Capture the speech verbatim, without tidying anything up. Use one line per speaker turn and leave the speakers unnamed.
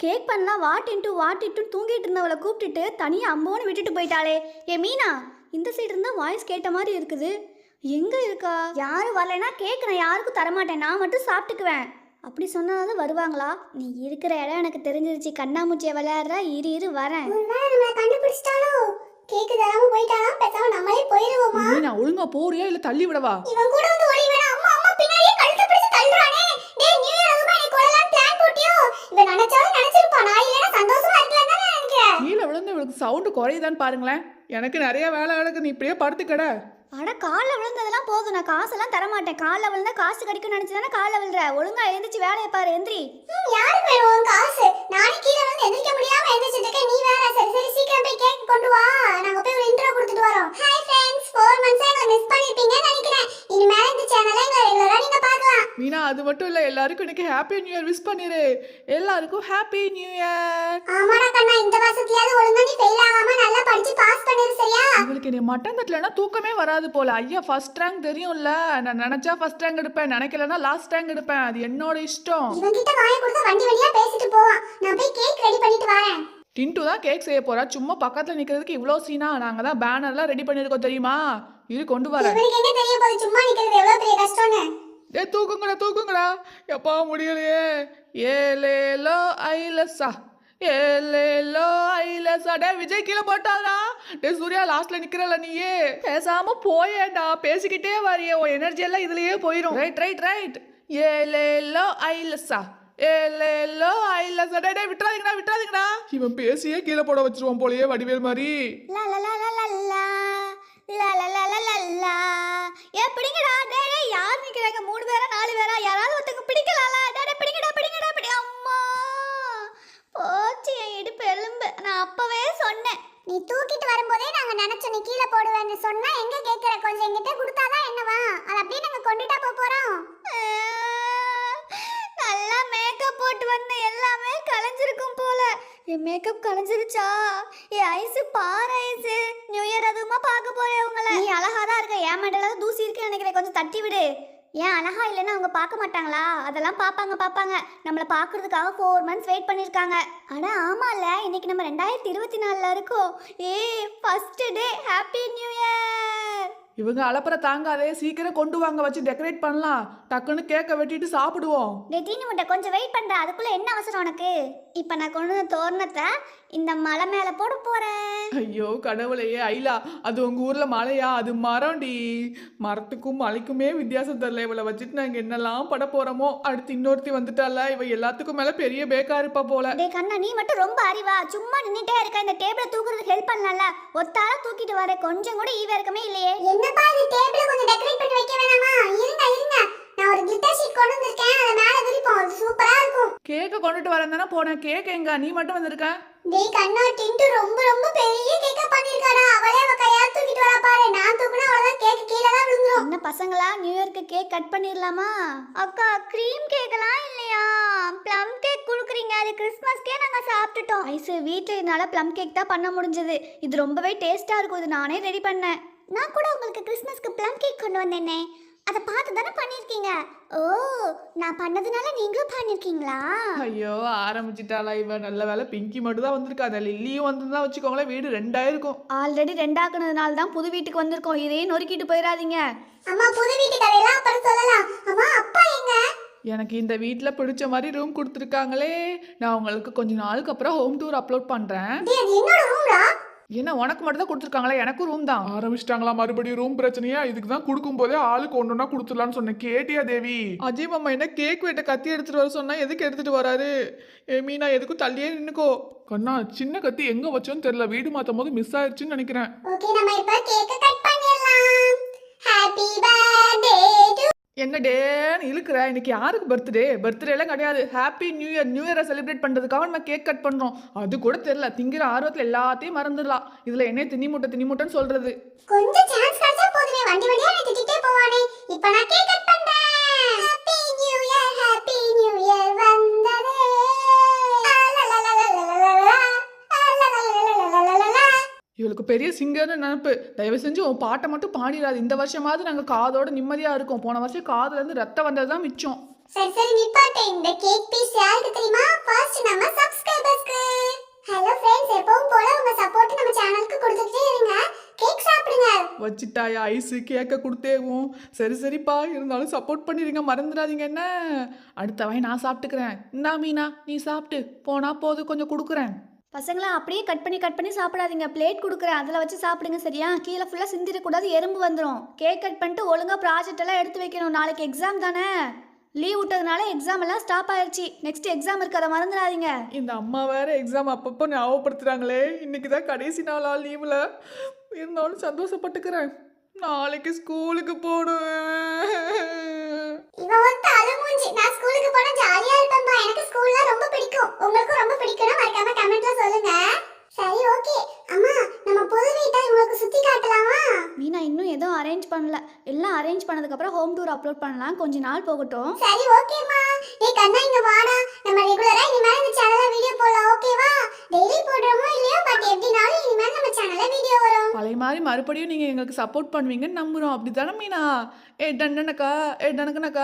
Cake பண்ணலாம் வாட்டின்ட்டு வாட்டிட்டு தூங்கிட்டு இருந்தவளை கூப்பிட்டுட்டு தனியாக அம்போன்னு விட்டுட்டு போயிட்டாளே. ஏ மீனா, இந்த சைடு இருந்தால் வாய்ஸ் கேட்ட மாதிரி இருக்குது. எங்கே இருக்கா? யாரும் வரலைன்னா கேக் நான் யாருக்கும் தரமாட்டேன், நான் மட்டும் சாப்பிட்டுக்குவேன். அப்படி சொன்னாலும் வருவாங்களா? நீ இருக்கிற இடம் எனக்கு தெரிஞ்சிருச்சு. கண்ணாமூச்சியை விளையாடுறா, இரு இரு வரேன்.
கேக்கு தராம போயிட்டானா பேசாம நம்மளே போயிடுவோமா?
மீனா ஒழுங்கா போறியா இல்ல தள்ளி விடவா?
இவன் கூட வந்து ஓடி வேணா. அம்மா அம்மா பின்னாடியே கழுத்து பிடிச்சு தள்ளுறானே. டேய் நியூ இயர் அதுமா நீ கொள்ளலாம் பிளான் போட்டியோ? இவன் நினைச்சாலும் நினைச்சிருப்பா. நான் இல்லனா சந்தோஷமா இருக்கலாம் தானே நினைக்கிறேன்.
கீழ விழுந்து இவளுக்கு சவுண்ட் குறையுதான்னு பாருங்களேன். எனக்கு நிறைய வேலை கிடக்கு, நீ இப்படியே படுத்துக்கட.
அட காலில் விழுந்ததெல்லாம் போதும், நான் காசெல்லாம் தரமாட்டேன். காலில் விழுந்தா காசு கிடைக்கும்னு நினச்சி தானே காலில் விழுற. ஒழுங்கா எழுந்திரிச்சு வேலையை பாரு. எந்திரி.
யாருக்கு வேணும் உன் காசு? நானே கீழே வந்து எந்திரிக்க முடியாம எந்திரிச்சிட்டு இருக்கேன். நீ வேற. சரி சரி சீக்கிரம் போய் கேக் கொண்டு வா. நாங்க போய் ஒரு இன்ட்ரோ கொடுத்துட்டு வரோம். ஹாய் ஃப்ரெண்ட்ஸ், ஃபோர் மந்த்ஸா எங்களை மிஸ் பண்ணிருப்பீங்கன்னு நினைக்கிறேன். இனிமேல் இந்த சேனலை எங்களை ரெகுலரா நீங்க பார்க்கலாம்.
மீனா அது மட்டும் இல்ல, எல்லாருக்கும் இன்னைக்கு ஹாப்பி நியூ இயர் விஷ் பண்ணிரு. எல்லாருக்கும் ஹாப்பி நியூ இயர்.
ஆமாடா கண்ணா, இந்த வருஷத்துலயாவது ஒழுங்கா நீ ஃபெயில் ஆகாம நல்லா படிச்சு பாஸ் பண்ணிரு சரியா?
உங்களுக்கு நீ மட்டன் தட்டலன்னா தூக்கமே வராது போல. ஐயா ஃபர்ஸ்ட் ரேங்க் தெரியும்ல, நான் நினைச்சா ஃபர்ஸ்ட் ரேங்க் எடுப்பேன், நினைக்கலன்னா லாஸ்ட் ரேங்க் எடுப்பேன். அது என்னோட இஷ்டம்.
இவன் கிட்ட வாயை கொடுத்தா வண்டி வண்டியா பேசிட்டு போவான். நான் போய் கேக் ரெடி பண்ணிட்டு வரேன்.
டின்ட்டு தான் கேக் செய்ய போறா. சும்மா பக்கத்துல நிக்கிறதுக்கு இவ்ளோ சீனா? நாங்க தான் பேனர்லாம் ரெடி பண்ணிருக்கோம் தெரியுமா? இது கொண்டு வரேன்.
இவனுக்கு என்ன தெரிய போகுது சும்மா நிக்கிறது எவ்வளவு பெரிய கஷ்டம்னு?
ஏ தூக்குங்கடா தூக்குங்கடா. எப்பா முடியலையே. ஏலேலோ ஐலசா ஏலேலோ ஐலசா. டே விஜய் கீழே போட்டாடா. டே சூர்யா லாஸ்ட்ல நிக்கிறல நீயே. பேசாம போயேடா, பேசிக்கிட்டே வரியே. உன் எனர்ஜி எல்லாம் இதுலயே போயிடும். Right right right. ஏலேலோ ஐலசா ஏலேலோ ஐலசா. டே டே விட்டுறாதீங்கடா விட்டுறாதீங்கடா. இவன் பேசியே கீழே போட வச்சிருவான் போலயே வடிவேல் மாதிரி.
லா லா லா லா லா லா லா லா லா லா லா லா. ஏ பிடிங்கடா. டே டே யார் நிக்கிறாங்க? மூணு பேரா நாலு பேரா? யாராவது ஒருத்தங்க பிடிக்கலாம்ல. டே டே பிடிங்கடா பிடிங்கடா பிடி. அம்மா போச்சு என் இடுப்பு எலும்பு. நான் அப்பவே சொன்னேன்.
நீ தூக்கிட்டு வரும்போதே நாங்க நினைச்சோம் நீ கீழே போடுவேன்னு. சொன்னா எங்க கேக்குற? கொஞ்சம் எங்கிட்ட கொடுத்தாதான் என்னவா? அது அப்படியே நாங்க கொண்டுட்டா போக போறோம்.
நல்லா மேக்கப் போட்டு வந்த எல்லாமே கலைஞ்சிருக்கும் போல. என் மேக்கப் கலைஞ்சிருச்சா? என் ஐஸு பாரு ஐஸு. நியூ இயர் அதுமா பார்க்க போறேன் உங்களை. நீ அழகா தான் இருக்க. ஏன் மண்டல தூசி இருக்குன்னு நினைக்கிறேன், கொஞ்சம் தட்டி விடு. ஏன் அழகா இல்லைன்னா அவங்க பார்க்க மாட்டாங்களா? அதெல்லாம் பார்ப்பாங்க பார்ப்பாங்க. நம்மளை பார்க்கறதுக்காக ஃபோர் மந்த்ஸ் வெயிட் பண்ணியிருக்காங்க. ஆனால் ஆமாம்ல, இன்னைக்கு நம்ம ரெண்டாயிரத்தி இருபத்தி நாலில் இருக்கோம். ஏ first day happy new year.
இவங்க அலப்பற தாங்காதே, சீக்கிரம் கொண்டு வாங்க, வச்சு டெக்கரேட் பண்ணலாம். டக்குன்னு கேக்க வெட்டிட்டு சாப்பிடுவோம்.
டே தீனி முட்டை கொஞ்சம் வெயிட் பண்ணுற. அதுக்குள்ளே என்ன அவசரம் உனக்கு? இப்போ நான் கொண்டு வந்த தோரணத்தை இந்த மலை மேலே போட போகிறேன்.
ஐயோ கடவுளையே. ஐலா அது உங்க ஊர்ல மலையா? அது மரம்டி. மரத்துக்கும் மலைக்குமே வித்தியாசம் தெரியல. இவளை வச்சுட்டு நாங்க என்னெல்லாம் பட போறோமோ. அடுத்து இன்னொருத்தி வந்துட்டால, இவ எல்லாத்துக்கும் மேல பெரிய பேக்கா இருப்பா போல.
டே கண்ணா, நீ மட்டும் ரொம்ப அறிவா. சும்மா நின்றுட்டே இருக்க. இந்த டேபிளை தூக்குறதுக்கு ஹெல்ப் பண்ணல. ஒத்தால தூக்கிட்டு வர கொஞ்சம் கூட ஈவ இருக்கமே இல்லையே.
என்னப்பா இது டேபிள கொஞ்சம் டெக்கரேட் பண்ணி வைக்க வேணாமா? இருங்க இருங்க, நான் ஒரு கிளிட்டர் ஷீட் கொண்டு வந்திருக்கேன். அத மேல விரிப்போம். அது சூப்பரா இருக்கும்.
கேக்க கொண்டுட்டு வரேன் தானே போனேன். கேக் எங்க? நீ மட்டும் வந்திருக்க.
டேய் கண்ணா, டிண்டு ரொம்ப ரொம்ப பெரிய கேக்கா பண்ணிருக்காடா. அவளே அவ கையால தூக்கிட்டு வரா பாரு. நான் தூக்குனா அவ்வளவுதான் கேக் கீழே தான் விழுந்துரும்.
என்ன பசங்களா, நியூ இயர்க்கு கேக் கட் பண்ணிடலாமா? அக்கா க்ரீம் கேக்கெல்லாம் இல்லையா? ப்ளம் கேக் கொடுக்குறீங்க. அது கிறிஸ்மஸ்க்கே நாங்கள் சாப்பிட்டுட்டோம். ஐஸு வீட்டில் இதனால ப்ளம் கேக் தான் பண்ண முடிஞ்சது. இது ரொம்பவே டேஸ்ட்டாக இருக்கும். இது நானே ரெடி பண்ணேன்.
நான் கூட உங்களுக்கு கிறிஸ்மஸ்க்கு ப்ளம் கேக் கொண்டு வந்தேனே. அதை பார்த்து தானே பண்ணிருக்கீங்க. ஓ, நான் பண்ணதுனால நீங்களும் பண்ணிருக்கீங்களா?
ஐயோ ஆரம்பிச்சிட்டாளா இவ. நல்ல வேலை பிங்கி மட்டும் தான் வந்திருக்கா. அந்த லில்லியும் வந்திருந்தா வச்சுக்கோங்களேன், வீடு ரெண்டாயிருக்கும்.
ஆல்ரெடி ரெண்டாக்குனதுனால தான் புது வீட்டுக்கு வந்திருக்கோம். இதையே நொறுக்கிட்டு போயிடாதீங்க.
அம்மா புது வீட்டு கதையெல்லாம் அப்புறம் சொல்லலாம். அம்மா அப்பா எங்க?
எனக்கு இந்த வீட்டில் பிடிச்ச மாதிரி ரூம் கொடுத்துருக்காங்களே. நான் உங்களுக்கு கொஞ்ச நாளுக்கு அப்புறம் ஹோம் டூர் அப்லோட் பண்ணுறேன்.
என்னோட ரூம்டா?
என்ன உனக்கு மட்டும் தான் கொடுத்துருக்காங்களா? எனக்கும் ரூம் தான்.
ஆரம்பிச்சிட்டாங்களா மறுபடியும் ரூம் பிரச்சனையா? இதுக்கு தான் கொடுக்கும் போதே ஆளுக்கு ஒன்றுனா கொடுத்துடலான்னு சொன்னேன். கேட்டியா தேவி?
அஜய் மாமா என்ன கேக் வெட்ட கத்தி எடுத்துட்டு வர சொன்னா எதுக்கு எடுத்துட்டு வராரு? ஏ மீனா எதுக்கும் தள்ளியே நின்னுக்கோ.
கண்ணா சின்ன கத்தி எங்க வச்சோன்னு தெரியல. வீடு மாத்தும் போது மிஸ் ஆயிடுச்சுன்னு நினைக்கிறேன்.
ஓகே, நம்ம இப்ப கேக்க கட் பண்ணிடலாம். Happy birthday to.
என்ன டேன்னு இழுக்கிற? இன்னைக்கு யாருக்கு பர்த்டே? பர்த்டே எல்லாம் கிடையாது. Happy new year. நியூ இயரை செலிப்ரேட் பண்றதுக்காக நம்ம கேக் கட் பண்றோம். அது கூட தெரியல. திங்கிற ஆர்வத்தில் எல்லாத்தையும் மறந்துடலாம். இதுல என்ன தின்னி மூட்டை தின்னி மூட்டைன்னு சொல்றது?
கொஞ்சம் சான்ஸ் கிடைச்சா போதுமே. வண்டி வண்டியா என்னை திட்டிட்டே போவானே. இப்போ நான் கேக் கட் பண்றேன். Happy new year, happy new year வந்ததே.
இவளுக்கு பெரிய சிங்கர்னு நினப்பு. தயவு செஞ்சு உன் பாட்டை மட்டும் பாடிடாது. இந்த வருஷமாவது நாங்கள் காதோட நிம்மதியாக இருக்கோம். போன வருஷம் காதுலேருந்து ரத்தம் வந்தது தான் மிச்சம்.
சரி சரி நிப்பாட்டு. இந்த கேக் பீஸ் யாருக்கு தெரியுமா? ஃபர்ஸ்ட் நம்ம சப்ஸ்கிரைபர்ஸ்க்கு. ஹலோ फ्रेंड्स, எப்பவும் போல உங்க சப்போர்ட் நம்ம சேனலுக்கு கொடுத்துட்டே இருங்க. கேக் சாப்பிடுங்க.
வச்சிட்டாயா ஐஸு கேட்க கொடுத்தேவும். சரி சரிப்பா, இருந்தாலும் சப்போர்ட் பண்ணிடுங்க, மறந்துடாதீங்க என்ன. அடுத்த வாய் நான் சாப்பிட்டுக்கிறேன். இந்தா மீனா, நீ சாப்பிட்டு போனா போது, கொஞ்சம் கொடுக்குறேன்.
பசங்களா அப்படியே கட் பண்ணி கட் பண்ணி சாப்பிடாதீங்க. பிளேட் கொடுக்குறேன், அதில் வச்சு சாப்பிடுங்க சரியா? கீழே ஃபுல்லாக சிந்திடக்கூடாது, எறும்பு வந்துடும். கேக் கட் பண்ணிட்டு ஒழுங்காக ப்ராஜெக்ட் எல்லாம் எடுத்து வைக்கணும். நாளைக்கு எக்ஸாம் தானே, லீவ் விட்டதுனால எக்ஸாம் எல்லாம் ஸ்டாப் ஆயிடுச்சு. நெக்ஸ்ட் எக்ஸாம் இருக்கு, அதை மறந்துடாதீங்க.
இந்த அம்மா வேற எக்ஸாம் அப்பப்போ ஞாபகப்படுத்துறாங்களே. இன்னைக்கு தான் கடைசி நாளா லீவில். இருந்தாலும் சந்தோஷப்பட்டுக்கிறேன். நாளைக்கு ஸ்கூலுக்கு போடுவேன்.
இவன் ஒருத்த அலமூஞ்சி. நான் ஸ்கூலுக்கு போனா ஜாலியா இருப்பேன்பா. எனக்கு ஸ்கூல்ல ரொம்ப பிடிக்கும். உங்களுக்கும் ரொம்ப பிடிக்கும்னா மறக்காம கமெண்ட்ல சொல்லுங்க. சரி ஓகே. அம்மா, நம்ம புது வீட்டை உங்களுக்கு சுத்தி காட்டலாமா?
மீனா இன்னும் எதுவும் அரேஞ்ச் பண்ணல. எல்லாம் அரேஞ்ச் பண்ணதுக்கப்புறம் ஹோம் டூர் அப்லோட் பண்ணலாம். கொஞ்ச நாள் போகட்டும்.
சரி ஓகேம்மா. டேய் கண்ணா, இங்க வாடா. நம்ம ரெகுலரா இனிமேல் இந்த சேனல்ல வீடியோ போடலாம், ஓகேவா? டெய்லி போடுறோமோ இல்லையோ, பட் எப்படினாலும் இனிமேல் நம்ம சேனல்ல வீடியோ வரும்.
பழைய மாதிரி மறுபடியும் நீங்கள் எங்களுக்கு சப்போர்ட் பண்ணுவீங்கன்னு நம்புகிறோம். அப்படி தானே மீனா? ஏ டண்டனக்கா, ஏ டனக்கனக்கா.